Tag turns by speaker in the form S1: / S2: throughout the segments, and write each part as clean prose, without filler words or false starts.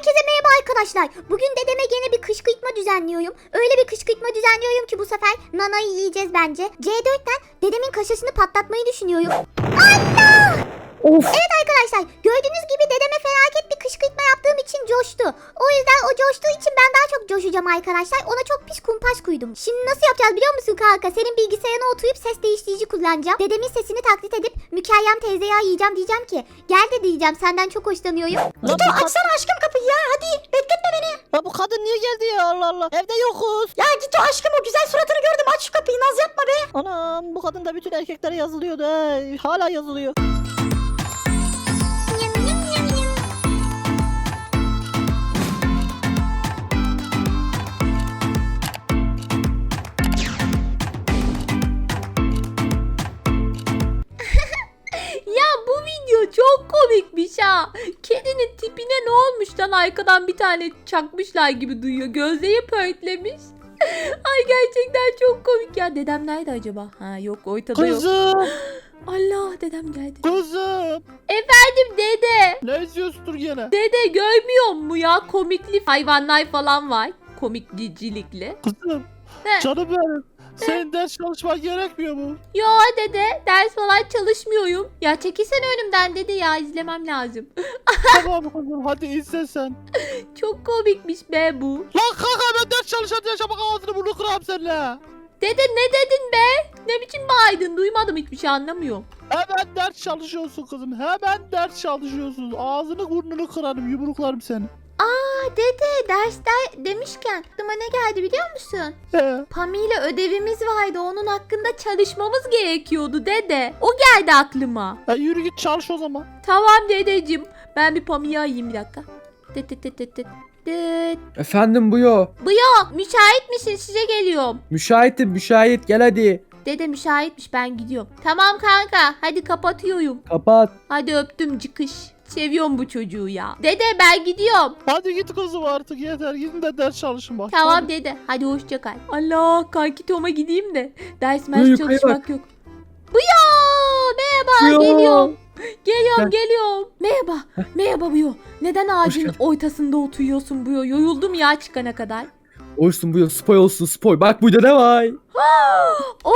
S1: Herkese merhaba arkadaşlar. Bugün dedeme gene bir kışkırtma düzenliyorum. Öyle bir kışkırtma düzenliyorum ki bu sefer nanayı yiyeceğiz bence. C4'ten dedemin kaşasını patlatmayı düşünüyorum. Allah!
S2: Of.
S1: Evet arkadaşlar, gördüğünüz gibi dedeme felaket bir kışkırtma yaptığım için coştu. O yüzden o coştuğu için ben daha çok coşacağım arkadaşlar. Ona çok pis kumpas kuydum. Şimdi nasıl yapacağız biliyor musun kanka? Senin bilgisayarına oturup ses değiştirici kullanacağım. Dedemin sesini taklit edip Mükerrem teyzeye yiyeceğim, diyeceğim ki gel de diyeceğim, senden çok hoşlanıyorum.
S2: Gito
S3: Açsana aşkım kapıyı ya, hadi bekletme beni.
S2: Ya bu kadın niye geldi ya, Allah Allah. Evde yokuz.
S3: Ya Gito aşkım, o güzel suratını gördüm, aç şu kapıyı, naz yapma be.
S2: Anam, bu kadın da bütün erkeklere yazılıyordu. Hala yazılıyor.
S4: Ya bu video çok komikmiş ha. Kedinin tipine ne olmuş lan, arkadan bir tane çakmışlar gibi duyuyor. Gözleri pörtlemiş. Ay gerçekten çok komik ya. Dedem nerede acaba? Ha yok, ortada yok.
S2: Kızım.
S4: Allah, dedem geldi.
S2: Kızım.
S4: Efendim dede.
S2: Ne izliyorsundur gene?
S4: Dede görmüyor mu ya? Komikli hayvanlar falan var. Komikcilikli.
S2: Kızım.
S4: He.
S2: Canım benim. Senin ders çalışman gerekmiyor mu?
S4: Yo dede, ders falan çalışmıyorum. Ya çekilsene önümden dede ya, izlemem lazım.
S2: Tamam kızım, hadi izle sen.
S4: Çok komikmiş be bu.
S2: Lan kanka, ben ders çalışan yaşamak ağzını burnunu kırarım seninle.
S4: Dede ne dedin be? Ne biçim bağırdın? Duymadım, hiçbir şey anlamıyorum.
S2: Hemen ders çalışıyorsun kızım. Hemen ders çalışıyorsun. Ağzını burnunu kırarım, yumruklarım seni.
S4: Aa dede, dersler demişken aklıma ne geldi biliyor musun? Pami ile ödevimiz vardı. Onun hakkında çalışmamız gerekiyordu dede. O geldi aklıma.
S2: Yürü git çalış o zaman.
S4: Tamam dedeciğim. Ben bir Pami'yi arayayım bir dakika. Tıt tıt tıt tıt tıt. Tıt.
S5: Efendim Buyo.
S4: Bu yok. Müsait misin? Size geliyorum.
S5: Müşahitim, müşahit, gel hadi.
S4: Dede müsaitmiş, ben gidiyorum. Tamam kanka, hadi kapatıyorum.
S5: Kapat.
S4: Hadi öptüm, çıkış. Seviyorum bu çocuğu ya. Dede ben gidiyorum.
S2: Hadi git kızım artık, yeter. Gidin de ders çalışın bak.
S4: Tamam
S2: Hadi.
S4: dede. Hadi hoşça kal. Allah, kanki Tom'a gideyim de. Ders
S5: Buyur,
S4: mers
S5: yukarı
S4: çalışmak yok. Buyo! Merhaba,
S5: Buyo.
S4: geliyorum. Geliyorum,
S5: Gel.
S4: geliyorum. Merhaba, merhaba Buyo. Neden ağacın
S5: geldin.
S4: ortasında oturuyorsun Buyo? Yoruldum ya çıkana kadar.
S5: Olsun Buyo, spoy olsun spoy. Bak burada ne var?
S4: Oo!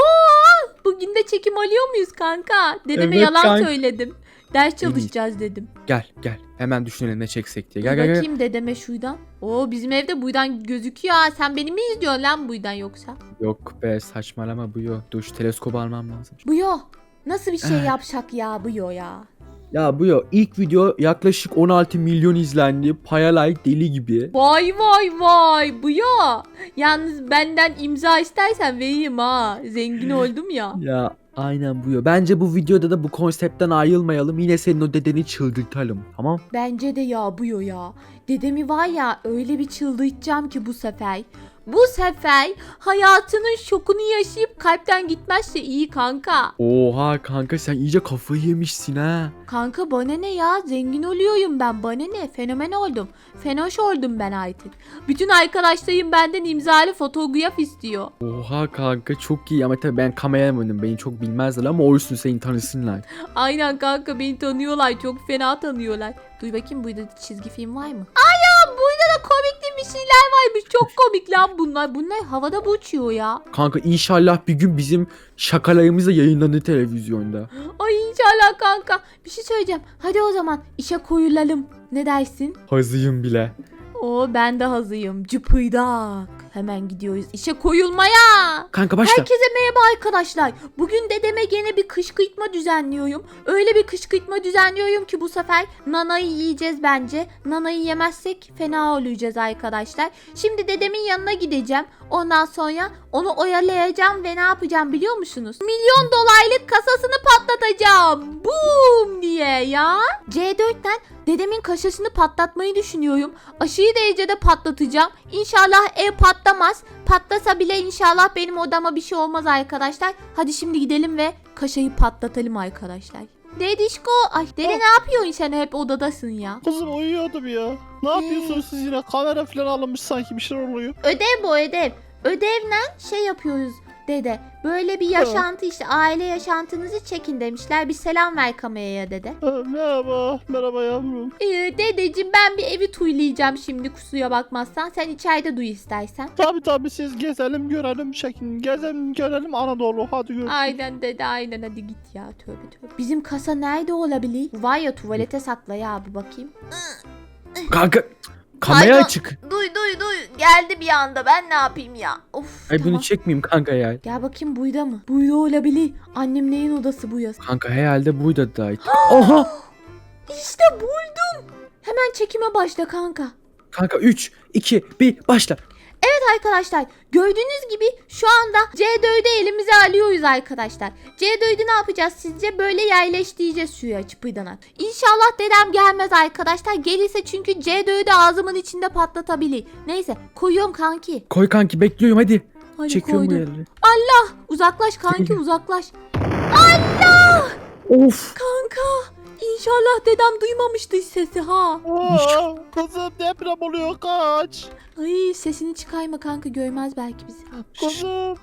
S4: Bugün de çekim alıyor muyuz kanka? Dedeme
S5: Evet,
S4: yalan
S5: kanka.
S4: söyledim. Ders çalışacağız dedim.
S5: Gel gel. Hemen düşünelim ne çeksek diye.
S4: Dur
S5: Gel gel gel.
S4: bakayım dedeme şuradan. Oo, bizim evde buydan gözüküyor ha. Sen beni mi izliyorsun lan buydan yoksa?
S5: Yok be, saçmalama Buyo. Dur şu teleskobu almam lazım.
S4: Buyo. Nasıl bir şey yapsak ya Buyo ya?
S5: Ya Buyo, ilk video yaklaşık 16 milyon izlendi. Paya like deli gibi.
S4: Vay vay vay Buyo. Yalnız benden imza istersen vereyim ha. Zengin oldum ya.
S5: Ya aynen Buyo. Bence bu videoda da bu konseptten ayrılmayalım. Yine senin o dedeni çıldırtalım. Tamam?
S4: Bence de ya Buyo ya. Dedemi var ya, öyle bir çıldırtacağım ki bu sefer. Bu sefer hayatının şokunu yaşayıp kalpten gitmezse iyi kanka.
S5: Oha kanka, sen iyice kafayı yemişsin ha.
S4: Kanka bana ne ya, zengin oluyorum ben, bana ne, fenomen oldum. Fenoş oldum ben artık. Bütün arkadaşlarım benden imzalı fotoğraf istiyor.
S5: Oha kanka, çok iyi ama tabii ben kameramanim, beni çok bilmezler ama olsun, seni tanısınlar.
S4: Aynen kanka, beni tanıyorlar, çok fena tanıyorlar. Duy bakayım, burada çizgi film var mı? Aynen, burada da komikli bir şeyler varmış, çok komik lan bunlar. Bunlar havada uçuyor ya.
S5: Kanka inşallah bir gün bizim şakalarımız da yayınlanır televizyonda.
S4: Ay inşallah kanka. Bir şey söyleyeceğim, hadi o zaman işe koyulalım. Ne dersin?
S5: Hazıyım bile.
S4: Oo, ben de hazırım. Cıpıydak. Hemen gidiyoruz işe koyulmaya.
S5: Kanka başla.
S4: Herkese merhaba arkadaşlar. Bugün dedeme gene bir kışkırtma düzenliyorum. Öyle bir kışkırtma düzenliyorum ki bu sefer nanayı yiyeceğiz bence. Nanayı yemezsek fena olacağız arkadaşlar. Şimdi dedemin yanına gideceğim. Ondan sonra onu oyalayacağım ve ne yapacağım biliyor musunuz? Milyon dolarlık kasasını patlatacağım. Boom diye ya. C4'ten dedemin kaşasını patlatmayı düşünüyorum. Aşırı derecede patlatacağım. İnşallah ev patlamaz. Patlasa bile inşallah benim odama bir şey olmaz arkadaşlar. Hadi şimdi gidelim ve kaşayı patlatalım arkadaşlar. Dedişko, ay dede ne yapıyorsun, sen hep odadasın ya.
S2: Kızım uyuyordum ya. Ne yapıyorsunuz siz yine? Kamera falan alınmış sanki, bir şeyler oluyor.
S4: Ödev bu, ödev. Ödevle şey yapıyoruz. Dede böyle bir yaşantı işte aile yaşantınızı çekin demişler. Bir selam ver kameraya dede.
S2: Merhaba yavrum.
S4: Dedeciğim ben bir evi tuylayacağım şimdi kusura bakmazsan. Sen içeride duy istersen.
S2: Tabii siz gezelim görelim şeklin. Gezelim görelim Anadolu. Hadi görüşürüz.
S4: Aynen dede aynen hadi git ya tövbe. Bizim kasa nerede olabilir? Var ya tuvalete sakla ya bir bakayım.
S5: Kanka kamera
S4: Pardon.
S5: açık.
S4: Duy geldi bir anda ben ne yapayım ya. Of
S5: Ay
S4: tamam.
S5: bunu çekmeyeyim kanka ya.
S4: Gel bakayım buyda mı? Buyda olabilir. Annem neyin odası bu yaz?
S5: Kanka herhalde buydu da. Oha.
S4: İşte buldum. Hemen çekime başla kanka.
S5: Kanka 3, 2, 1 başla.
S4: Evet arkadaşlar gördüğünüz gibi şu anda C4'ü elimize alıyoruz arkadaşlar. C4'ü ne yapacağız sizce? Böyle yerleştireceğiz suya çıpırdanak. İnşallah dedem gelmez arkadaşlar. Gelirse çünkü C4'ü ağzımın içinde patlatabilir. Neyse koyuyorum kanki.
S5: Koy kanki bekliyorum hadi.
S4: Hadi
S5: Çekiyorum bu
S4: koydum.
S5: yerleri.
S4: Allah uzaklaş kanki uzaklaş.
S5: Of.
S4: Kanka İnşallah dedem duymamıştı sesi ha.
S2: Kızım deprem oluyor kaç.
S4: Ay sesini çıkarma kanka görmez belki bizi.
S2: Kızım.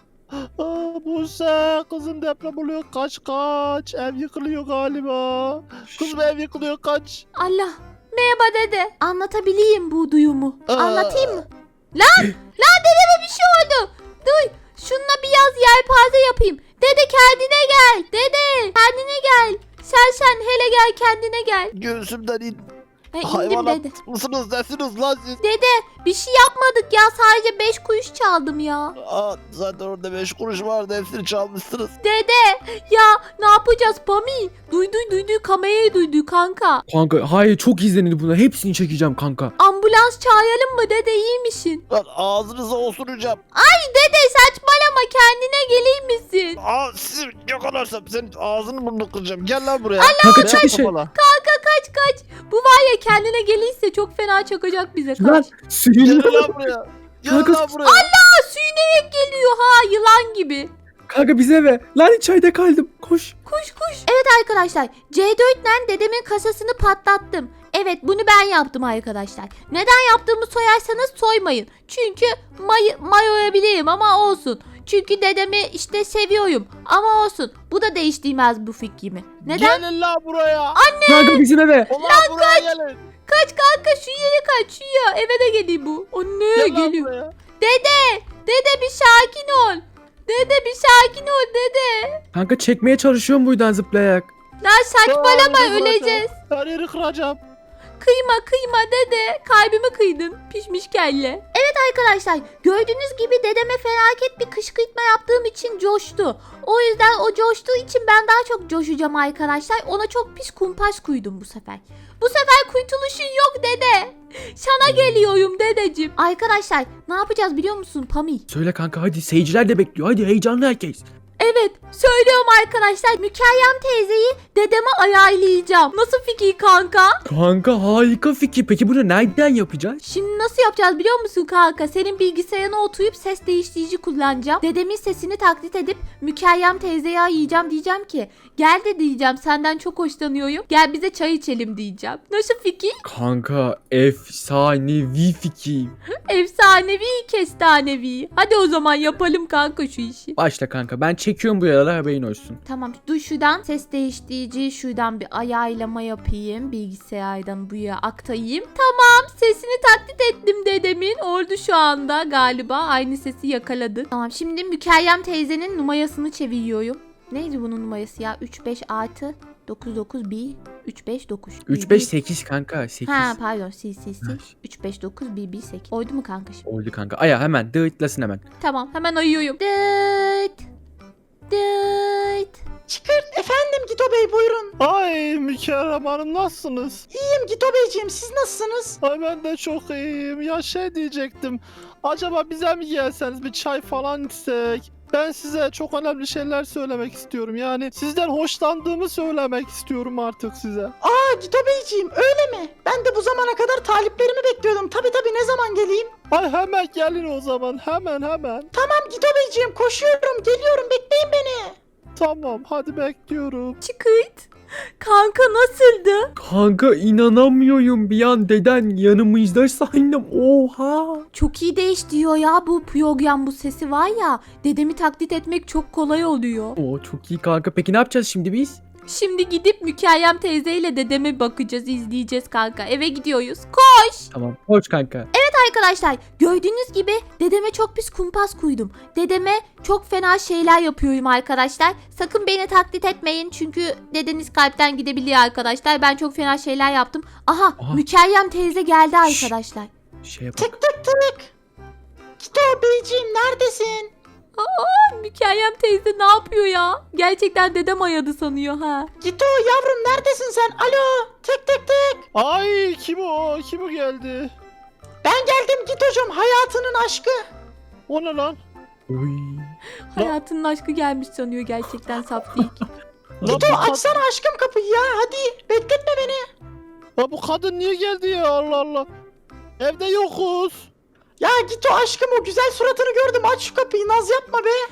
S2: Buse kızım deprem oluyor kaç. Ev yıkılıyor galiba. Kızım ev yıkılıyor kaç.
S4: Allah. Merhaba dede. Anlatabileyim bu duyumu. Anlatayım mı? Lan dedeme bir şey oldu. Duy. Şununla biraz yelpaze yapayım. Dede kendine gel. Dede kendine gel. Sen hele gel kendine gel.
S2: Göğsümden in.
S4: İndim
S2: Hayvanat
S4: dede.
S2: mısınız nesiniz lan siz?
S4: Dede bir şey yapmadık ya sadece 5 kuruş çaldım ya.
S2: Zaten orada 5 kuruş vardı hepsini çalmışsınız.
S4: Dede ya ne yapacağız Pami? Duydu kamerayı duydu kanka.
S5: Kanka hayır çok izlenildi buna. Hepsini çekeceğim kanka.
S4: Ambulans çağıralım mı dede iyi misin?
S2: Lan ağzınıza osuracağım.
S4: Dede saçmalama kendine gelir misin?
S2: Sizi yakalarsam senin ağzını burnunu kıracağım. Gel lan buraya.
S5: Kanka
S2: Beyaz
S5: çık dışarı.
S2: kafalı.
S4: Kanka kaç. Bu var ya kendine gelirse çok fena çakacak bize
S5: Lan
S4: kaç.
S5: suyun.
S2: Gel lan buraya. Gel
S5: Kanka-
S2: lan buraya.
S4: Suyu nereye geliyor ha yılan gibi.
S5: Kanka bize ve. Lan içeride kaldım. Koş.
S4: Kuş. Evet arkadaşlar C4'le dedemin kasasını patlattım. Evet bunu ben yaptım arkadaşlar. Neden yaptığımı soyarsanız soymayın. Çünkü mayoyabilirim ama olsun. Çünkü dedemi işte seviyorum ama olsun. Bu da değiştirmez bu fikrimi. Neden?
S2: Gelin lan buraya.
S5: Kanka bizim eve.
S2: Ulan buraya gelin.
S4: Kaç kanka şu yere kaç şu ya. Eve de geliyor bu. Anne
S2: Gel lan
S4: geliyor.
S2: buraya.
S4: Dede bir sakin ol. Dede bir sakin ol dede.
S5: Kanka çekmeye çalışıyorum buradan zıplayarak.
S4: Lan saçmalama
S2: Her yeri
S4: öleceğiz.
S2: Her yeri kıracağım.
S4: Kıyma dede. Kalbimi kıydın. Pişmiş kelle. Evet arkadaşlar gördüğünüz gibi dedeme felaket bir kışkırtma yaptığım için coştu. O yüzden o coştuğu için ben daha çok coşacağım arkadaşlar. Ona çok pis kumpas kuydum bu sefer. Bu sefer kurtuluşun yok dede. Sana geliyorum dedeciğim. Arkadaşlar ne yapacağız biliyor musun Pami?
S5: Söyle kanka hadi seyirciler de bekliyor. Hadi heyecanlı herkes.
S4: Evet söylüyorum arkadaşlar Mükerrem teyzeyi dedeme ayarlayacağım. Nasıl fikir kanka?
S5: Kanka harika fikir. Peki bunu nereden yapacağız?
S4: Şimdi nasıl yapacağız biliyor musun kanka? Senin bilgisayarına oturup ses değiştirici kullanacağım. Dedemin sesini taklit edip Mükerrem teyzeyi ayarlayacağım diyeceğim ki gel de diyeceğim senden çok hoşlanıyorum. Gel bize çay içelim diyeceğim. Nasıl fikir?
S5: Kanka efsanevi fikir.
S4: Efsanevi kestanevi. Hadi o zaman yapalım kanka şu işi.
S5: Başla kanka ben çekiyorum bu yaralar haberin olsun.
S4: Tamam dur şuradan ses değiştirici şuradan bir ayarlama yapayım. Bilgisayardan buraya aktarayım. Tamam sesini taklit ettim dedemin. Oldu şu anda galiba aynı sesi yakaladı. Tamam şimdi Mükerrem teyzenin numarasını çeviriyorum. Neydi bunun numarası ya? 35 artı 991 359.
S5: 3-5-8 kanka 8.
S4: Ha pardon sil 359 118. Oydu mu kanka şimdi?
S5: Oldu kanka. Aya hemen dıtlasın hemen.
S4: Tamam hemen ayıyorum. Dıt.
S3: Çıkırt efendim Gito Bey buyurun.
S2: Ay Mükerrem Hanım nasılsınız?
S3: İyiyim Gito Beyciğim siz nasılsınız?
S2: Ay ben de çok iyiyim. Ya şey diyecektim. Acaba bize mi gelseniz bir çay falan içsek? Ben size çok önemli şeyler söylemek istiyorum. Yani sizden hoşlandığımı söylemek istiyorum artık size.
S3: Aa Gito Beyciğim öyle mi? Ben de bu zamana kadar taliplerimi bekliyordum. Tabii ne zaman geleyim?
S2: Ay hemen gelin o zaman. Hemen.
S3: Tamam Gito Beyciğim koşuyorum geliyorum bekleyin beni.
S2: Tamam hadi bekliyorum.
S4: Çıkırt. Kanka nasıldı?
S5: Kanka inanamıyorum, bir an deden yanımızda sandım. Oha.
S4: Çok iyi değiştiriyor ya bu program, bu sesi var ya. Dedemi taklit etmek çok kolay oluyor.
S5: Oo, çok iyi kanka. Peki ne yapacağız şimdi biz?
S4: Şimdi gidip Mükerrem teyzeyle dedeme bakacağız, izleyeceğiz kanka. Eve gidiyoruz. Koş.
S5: Tamam, koş kanka.
S4: Arkadaşlar gördüğünüz gibi dedeme çok pis kumpas kuydum. Dedeme çok fena şeyler yapıyorum arkadaşlar. Sakın beni taklit etmeyin çünkü dedeniz kalpten gidebiliyor arkadaşlar. Ben çok fena şeyler yaptım. Aha. Mükerrem teyze geldi
S5: Şşş.
S4: arkadaşlar.
S5: Şeye bak.
S3: Tık tık tık. Gito beyciğim neredesin?
S4: Mükerrem teyze ne yapıyor ya? Gerçekten dedem ayadı sanıyor ha.
S3: Gito yavrum neredesin sen? Alo tık tık tık.
S2: Ay kim o? Kim o geldi?
S3: Ben geldim Gito'cum, hayatının aşkı.
S2: O ne lan?
S5: Oy.
S4: Hayatının aşkı gelmiş sanıyor, gerçekten saf değil.
S2: Lan
S3: Gito
S2: bu,
S3: açsana aşkım kapıyı ya, hadi bekletme beni.
S2: lan bu kadın niye geldi ya, Allah Allah. Evde yokuz.
S3: Ya Gito aşkım, o güzel suratını gördüm, aç şu kapıyı, naz yapma be.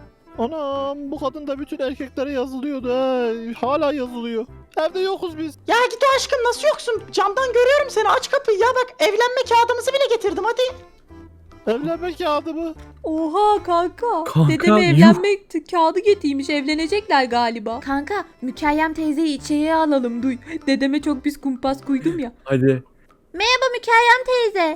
S2: Anam, bu kadın da bütün erkeklere yazılıyordu ha. Hala yazılıyor. Evde yokuz biz.
S3: Ya Gito aşkım nasıl yoksun? Camdan görüyorum seni, aç kapıyı ya, bak evlenme kağıdımızı bile getirdim, hadi.
S2: Evlenme kağıdı mı?
S4: Oha kanka.
S5: Kanka,
S4: Dedeme
S5: yuh.
S4: evlenmek kağıdı getirmiş, evlenecekler galiba. Kanka Mükerrem teyzeyi içeriye alalım duy. Dedeme çok pis kumpas kuydum ya.
S5: Hadi.
S4: Merhaba Mükerrem teyze.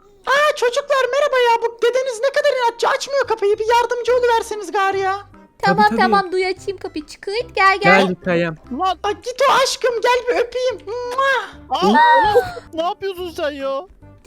S3: Aa çocuklar merhaba ya, bu dedeniz ne kadar inatçı, açmıyor kapıyı, bir yardımcı oluverseniz gari ya.
S4: Tamam
S5: tabii.
S4: tamam duy, açayım kapıyı, çıkırt gel
S5: Gel Kayam.
S2: Lan
S3: Aa Gito aşkım gel bir öpeyim. Mua!
S2: aa, ne yapıyorsun sen ya?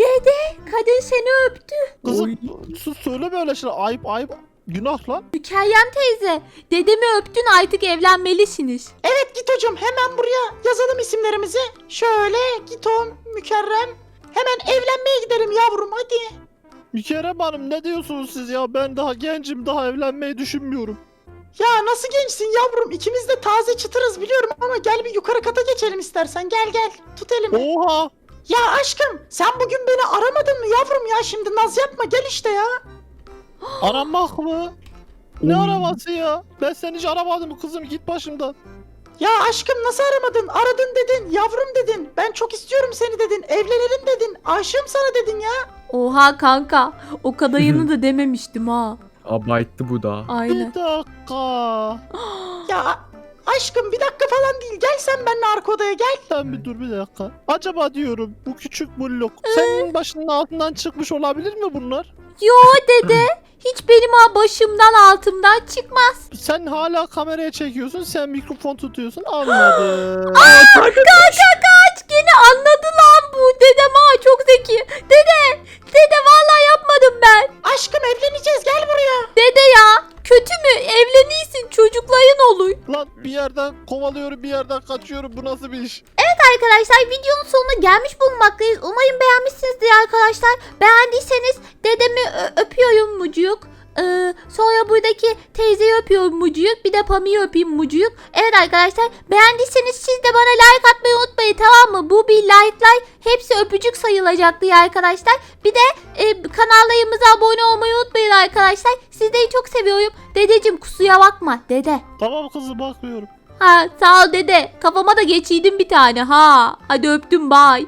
S4: Kadın seni öptü.
S2: Kızım sus, söyle böyle şeyler. Ayıp ayıp. Günah lan.
S4: Mükerrem teyze dedemi öptün, artık evlenmelisiniz.
S3: Evet Gito'cum, hemen buraya yazalım isimlerimizi. Şöyle Gito, Mükerrem. Hemen evlenmeye gidelim yavrum, hadi.
S2: Mükerrem Hanım, ne diyorsunuz siz ya? Ben daha gencim, daha evlenmeyi düşünmüyorum.
S3: Ya nasıl gençsin yavrum, ikimiz de taze çıtırız biliyorum ama gel bir yukarı kata geçelim istersen, gel gel tut elimi.
S2: Oha.
S3: Ya aşkım sen bugün beni aramadın mı yavrum ya, şimdi naz yapma, gel işte ya.
S2: Aramak mı? Ne
S5: Oy.
S2: araması ya? Ben seni hiç aramadım kızım, git başımdan.
S3: Ya aşkım nasıl aramadın, aradın dedin, yavrum dedin, ben çok istiyorum seni dedin, evlenelim dedin, aşığım sana dedin ya.
S4: Oha kanka, o kadarını da dememiştim ha.
S5: Abarttı bu da.
S4: Aynen.
S2: Bir dakika.
S3: Ya aşkım bir dakika falan değil, gel sen benimle arka odaya gel.
S2: Sen bir dur bir dakika. Acaba diyorum, bu küçük blok senin başının altından çıkmış olabilir mi bunlar?
S4: Yo dede, hiç benim başımdan altımdan çıkmaz.
S2: Sen hala kameraya çekiyorsun, sen mikrofon tutuyorsun, anladım.
S4: Kaç gene anladı lan bu. Dedem çok zeki. Dede vallahi yapmadım ben.
S3: Aşkım evleneceğiz, gel buraya.
S4: Dede ya kötü mü? Evleniysin, çocukların olur.
S2: Lan bir yerden kovalıyorum, bir yerden kaçıyorum, bu nasıl bir iş?
S1: Arkadaşlar videonun sonuna gelmiş bulunmaktayız. Umarım beğenmişsinizdir arkadaşlar. Beğendiyseniz dedemi öpüyorum mucuk. Sonra buradaki teyzeyi öpüyorum mucuk. Bir de Pami'yi öpeyim mucuk. Evet arkadaşlar, beğendiyseniz siz de bana like atmayı unutmayın, tamam mı? Bu bir like'lar hepsi öpücük sayılacaktı ya arkadaşlar. Bir de kanallarımıza abone olmayı unutmayın arkadaşlar. Sizleri çok seviyorum. Dedeciğim kusura bakma dede.
S2: Tamam kızım, bakmıyorum.
S4: Ha sağ ol dede. Kafama da geçiydin bir tane ha. Hadi öptüm, bye.